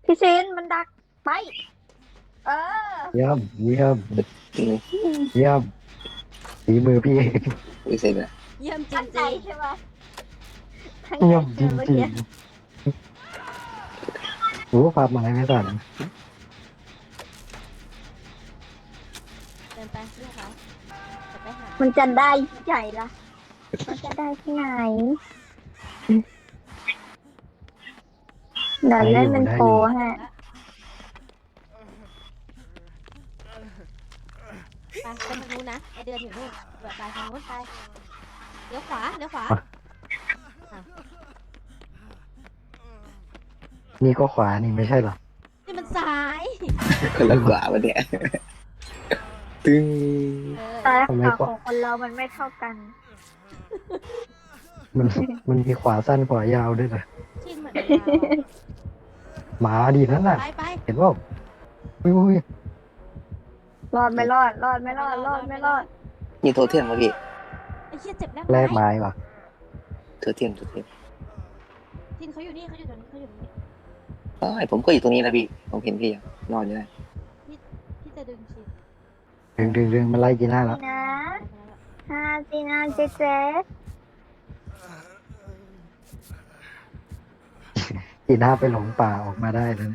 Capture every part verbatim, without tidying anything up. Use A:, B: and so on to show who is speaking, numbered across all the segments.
A: พี่ซินมันดักไปเออ
B: เยี่ยมเยี่ยม
C: จริง
B: เยี่ยมฝีมือพี่เอง
C: อุ้ยเสร็จแล้ว
D: เยี่ยมจ
A: ตั้งใจ
D: ริง
A: ใช่ไหมตั้งใจ
B: เยี่ยมจ
A: ใช่ไหมเมื่อ
B: ริง
A: กี้
B: ๆรู้ความหมายไม่สั่น
D: ๆเดินไปเรียกเขาจะไปหา
A: มันจะได้ที่ไหนล่ะมันจะได้ที่ไหนเดี๋ยวเล่นเป็นโปรฮะ
D: ไปไปทางนู้นนะไอเดือนอยู่นู่นแบบไปทางนู้นไปเลี้ยวขวาเลี้ยวขวา
B: นี่ก็ขวานี่ไม่ใช่เหรอ
D: นี่มันซ้าย
C: คนละกว่าวันเนี้ยตึง
D: เออ
A: ซ้ายขวาของคนเรามันไม่เท่ากัน
B: มันมันมีขวาสั้นขวายาวด้วยนะ
D: ชินเหมือน
B: หมาดีนั่น
D: เรา
B: น่ะ
D: ไปไป
B: เห็นว่าอุ้ยอุ้ย
A: รอดไม่รอด รอดไม่รอด รอดไม่รอด
C: มีโทเทียมไหมพี่
D: ไอ้เชี่ยเจ็บแล้ว
B: แลกไม้ว่ะ
C: โทเทียมโทเทียม
D: ชินเขาอยู่นี่เขาอยู่ตรงนี้เขาอยู่ตรงนี้
C: อ๋อผมก็อยู่ตรงนี้นะพี่ผมเห็นพี่อะนอนอยู่นะ
D: พี่จะดึงชิน
B: ดึงดึงดึงมันไล่จีน่าแล้ว
A: นะฮาจีนาเจเจ
B: จีน่าไปหลงป่าออกมาได้แล้วนะ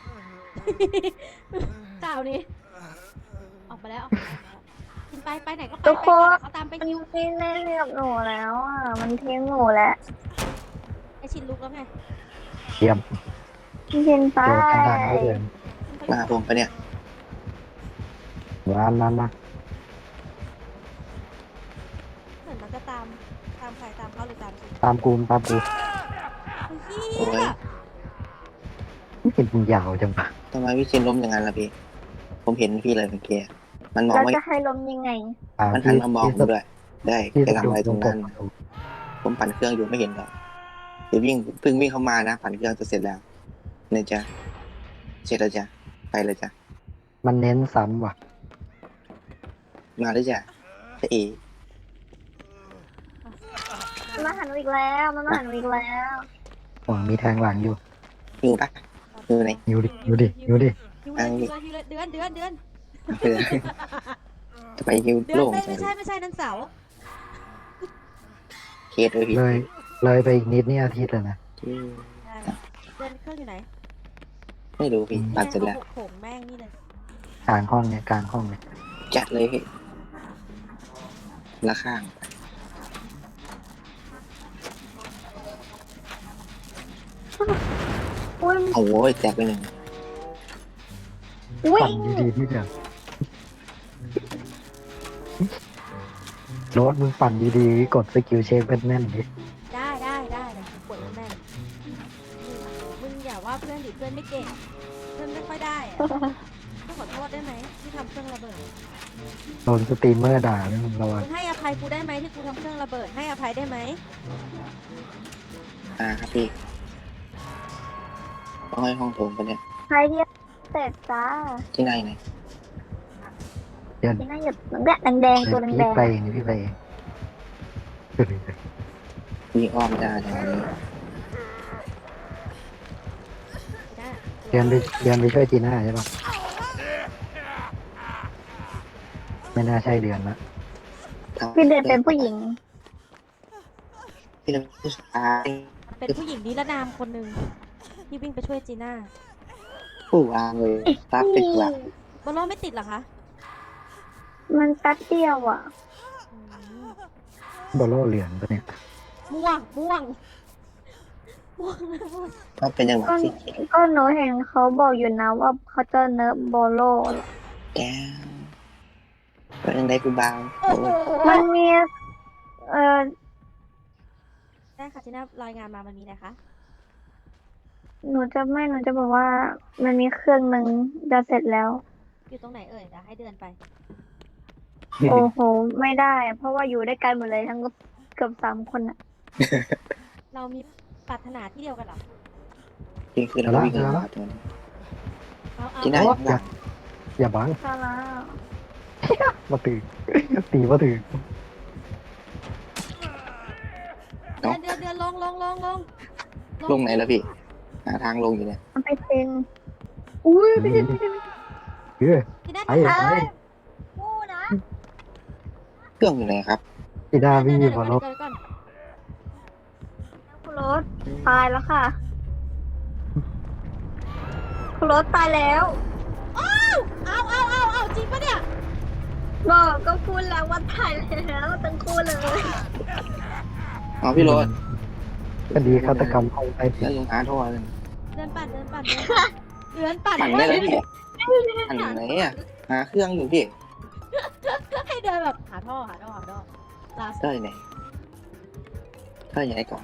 D: เจ้านี้ออกมาแล้วออกมาแล้วชินไปไปไหนก็ไปไปก่อนเขาตามไป
A: มัน
D: คิว
A: ไม่เล่นกับหนูแล้วอ่ะ มันทิ้งหนูแล้ว
D: ไอชินลุกแล้วไง
B: เยี่ยม
A: พี่ซินไป
B: โดนกระดานไม่เดิน
C: มาผมปะเนี่ย
B: ร้านนั้นนะ
D: เหมือนมันจะตามตามใครตามเขาหรือตามชิน
B: ตามกูมตามกู
D: เฮีย
B: ไม่เห็นมึงยาวจังปะ
C: ทำไมพี่ชินล้มอย่างนั้นล่ะพี่ ผมเห็นพี่เลยเมื่อกี้มันมอง
A: เรา
C: ไม่
A: จะให้ล้มยังไง
B: อ่า
C: มันหัน
B: ที่
C: มามอง
B: ที่
C: ผมด้วย ได้
B: ที่
C: แกทำอะไรตรงนั้น
B: กด
C: ผมปั่นเครื่องอยู่ไม่เห็นหรอกเดี๋ยววิ่งเพิ่งวิ่งเข้ามานะปั่นเครื่องจะเสร็จแล้วเนี่ยจ้ะเสร็จแล้วจ้ะไปเลยจ้ะ
B: มันเน้นซ้ำว่ะ
C: มาเลยจ้ะจะเอ
A: มันมาหาหนูอีกแล้ว มันมาหาหนูอีกแล้ว
B: หวังมีแทงหลังอยู่
C: อยู่ปะอยู่ไหน
B: อยู่ดิอยู่ดิอยู่ดิ
D: ฮิวเลยฮิวเลยฮิวเลยเดือนเดือนเดือน
C: ไปเลยจะไปฮิว
D: เดือน
C: โล่ง
D: ไม่
C: ใจ
D: ไม่ใช่ไม่ใช่นั่นเสา
C: เคสเลยพี่
B: เลยเลยไปอีกนิดนี่อาทิตย์แล้วนะ
C: อืม
D: เดือนเครื่องอยู่ไหน
C: ไม่รู้พี่ปั่นเสร็จแล้ว
D: โขงแม่งนี่เลย
B: กลางห้องเนี่ยกลางห้องเนี่ย
C: จัดเลยพี่ละข้าง
A: อุ้ย
C: โอ้ยแตกไปหนึ่ง
A: อุ้ย
B: ปั่นดีๆที่เดียวโรถมึงปั่นดีๆกดสกิลเช็คเป็นแน่นดิ
D: ได้ได้ได้เดี๋ยวปวดแม่งมึงอย่าว่าเพื่อนดิเพื่อนไม่เก่งเพื่อนไม่ค่อยได้อะต้องขอโทษได้ไหมที่ทำเครื่องระเบิด
B: โดนสตรีมเมอร์ด่าแล้วมึงระวัง
D: มึงให้อภัยกูได้ไหมที่กูทำเครื่องระเบิดให้อภัยได้ไหม
C: อ่าครับพี่ต้องให้ห้องโถงไปเนี่ย
A: ใครที่เสร็จจ้า
C: ที่ไหนไหน
A: ที่น่าหยุดแบบแดงๆตัวแด
B: พี่
A: ง
B: ไปเองพี่ไปเอง
C: วิ่งอ้อมได้ทางนี้
D: ได้
B: เรียนไปเรียนไปช่วยจีน่าใช่ปะไม่น่าใช่เดือนละ
A: ๆพี่เดินเป็นผู้หญิง
C: พี่เป็นผู้ชาย
D: เป็นผู้หญิงนิรนามคนหนึ่งที่วิ่งไปช่วยจีน่า
C: ผู้วางเลยตัดติดหลัก
D: บอลโลไม่ติดเหรอคะ
A: มันแป๊บเดียวอ่ะ
D: อืม
B: บอลโลเหลืองปะเนี่ย
D: ม่วงม่วงม่วงม่วง
C: ก็เป็นจังหวะ
A: ก็
C: ที่
A: ก็หนูเห็นเขาบอกอยู่นะว่าเขาจะเนิร์ฟโบโล
C: แก้วเป็นยังไงกูบางโอ้ย
A: มันมี เอ่อ
D: ได้ค่ะจีน่ารายงานมามันมีอะไรคะ
A: หนูจะไม่ หนูจะบอกว่า มันมีเครื่องหนึ่งจะเสร็จแล้ว
D: อยู่ตรงไหนเอ่ยเดี๋ยวให้เดือนไป
A: โอ้โห ไม่ได้ เพราะว่าอยู่ด้วยกันหมดเลยทั้งเกือบสามคนอ่ะ
D: เรามีปรารถนาที่เดียวกันเหรอ
C: จริงคือเราวิ่งกันมาตัวนี้
D: เอาเอา
C: ที่ไหน
B: โอ๊ย
C: บ้าง
B: อย่าบัง
A: ซาร่า
B: มาตื่นตีมาตื่น
D: เดือนเดือนเดือนลงลงลงลง
C: ลงไหนแล้วพี่หาทางลงอยู่เนี่ย
A: มันไปเซ็นอุ้ยไม่ใช่ไม่ใช่
B: เฮ้ย
D: พี่นัท
B: ไป
D: จะ
B: ไป
A: กูนะ
C: เครื่องอยู่ไหนครับ
B: พี่ดาวิ่งอยู่บนรถ
D: เดี๋ยวก่อน
A: คุณรถตายแล้วค่ะคุณรถตายแล้ว
D: เอาเอาเอาเอาจริงปะเนี่ย
A: บอกก็พูดแล้วว่าตายแล้วทั้งคู่เลย
C: อ๋อพี่โรถ
B: คดีฆาตกรรมห้องใต้ดิ
C: แล้ว
B: น
C: ยังหาโทรเลย
D: เดินปั่นเดินปั่นเดินปั่นเดินปั่น
C: ปั่นได้แล้วพี่ปั่นไหนอ่ะหาเครื่องอยู่พี่
D: ให้เดินแบบหาท่อหาท่อหาท่อลาส
C: ได้ไหนได้ไหนก่อน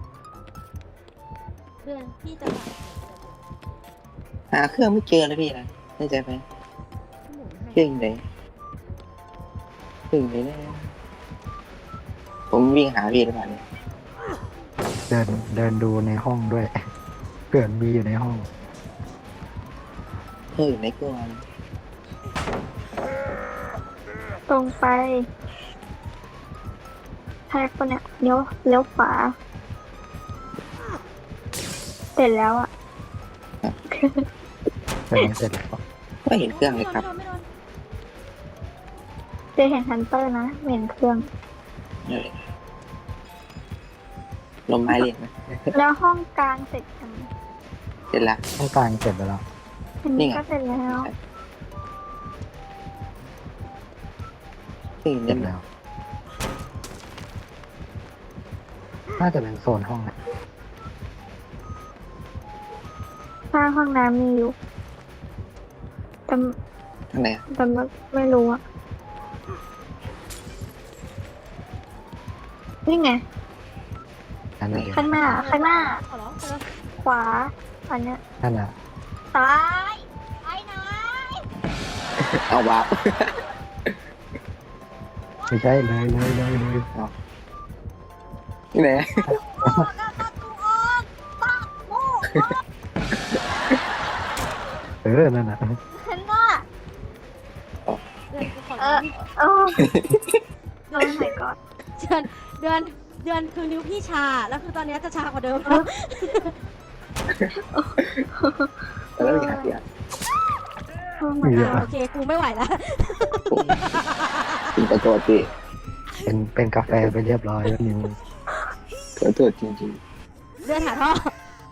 D: เดินพี่จะปั่น
C: หาเครื่องไม่เจอเลยพี่นะได้ใจไหม
D: หมุน
C: เครื่
D: ให้
C: องอยู่ไหนเครื่องอยู่ไหนนะผมวิ่งหาพี่หรือเปล่าเนี่ย
B: เดินเดินดูในห้องด้วยเกิดมีอยู่ในห้อง
C: เครื่องอยู่ไหนก่อน
A: ตรงไปแท็กปะเนี่ยเลี้ยวเลี้ยวขวาเสร็จแล้วอ่ะ
B: แต่ยังเสร็จแล้ว
C: ไม่เห็นเครื่องเลยครับ
D: ไม่โดน
A: เจอเห็นฮันเตอร์นะไม่เห็นเครื่อง
C: เลยลมไม้เรียนไหม
A: แล้วห้องกลางเสร็จยัง
C: เสร็จละ
B: ห้องกลางเสร็จไปแล้ว
A: อัน
C: นี่
A: นี้
C: ไง
A: ก็เสร็จแล้ว
C: เครื่องอยู่
B: เสร็จ
C: ไหน
B: แล้ว น่าจะเป็นโซนห้องนะ
A: ถ้าห้องน้ำมีอยู่แต่
C: ทางไหนอะ
A: แต่ไม่รู้อ่ะนี่ไง
B: นั่นเอง
A: ข้างหน้า ข้างหน้า
D: ขอร้องขอร้อง
A: ขวา อันเนี้ย
B: นั่นน่ะ
A: ซ้ายไปไหน
C: เอาวาร์ป
B: ไม่ใช่เลยเลยเลยเลย
C: นี่ไหน
A: โอ้กำลังกูออกปักโม่
B: เออนั่นน่ะ
A: เห็นว่า
D: เดินกูขอ
A: เอ
D: ร้อ
A: อง โอ้โอ้ my god
D: เดือนเดือนเดือนคือนิ้วพี่ชา แล้วคือตอนนี้จะชากว่าเดิม
C: แล้วมีหาเสียง
A: โอ้ my
D: อ่า
A: god
D: โอเค กูไม่ไหวแล้ว
C: ถึงขอโทษพี่
B: เป็นเป็นกาแฟไปเรียบร้อยแล้วนิว
C: ขอโทษจริง
D: เดินหาท่อ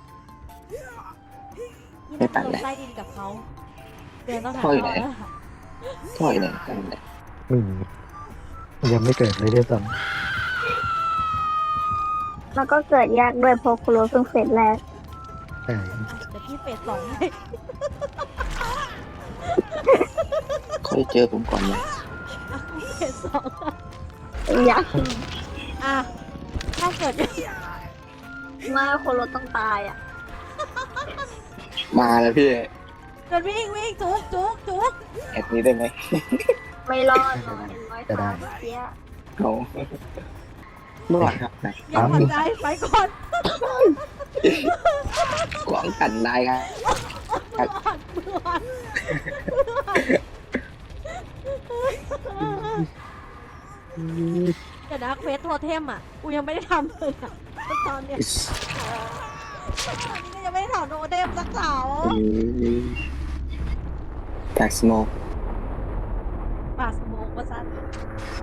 C: ไม่ปั่นแล้ว
D: ไล่ดินกับเขาเดินต้องหา
C: ท่
D: ท่
C: อ
D: อ
C: อยู่ไหน
D: แล้ว
C: ๆท่ออยู่ไหนท่ออยู่ไหน
B: ไม่มียังไม่เกิดเลยด้วยซ้
A: แล้วก็เกิดยากด้วยเพราะคุโรเพิ่งเฟสแรก
B: ำใช่
D: เดี๋ยวพี่เฟสสองให้
C: เขาจะเจอผมก่อนนะ
D: อ่ะเฟสสอง
A: ยาก
D: อ่ะถ้าเกิด
A: มากคุโรต้องตายอ่ะ
C: มาแล้วพี่
D: เดินวิ่งวิ่งจุกจุกจุก
C: แอดนี้ได้ไหม
A: ไม่รอดหรอกเห็นรอยเท้าเมื่อกี้
C: เอาเมื่อวานครับนะ
D: อย่าหวั่นใจไปก่อน
C: กวางกันได้ครับ
D: มืออ่อนมืออ่อนเดี๋ยวนะเควสโทเทมอ่ะ กูยังไม่ได้ทำเลยอ่ะตอนเนี้ยตอนนี้ก็ยังไม่ได้ทำโทเทมสักเสา
C: แบ็กสโมก
D: ปาสโมกว่าสั้น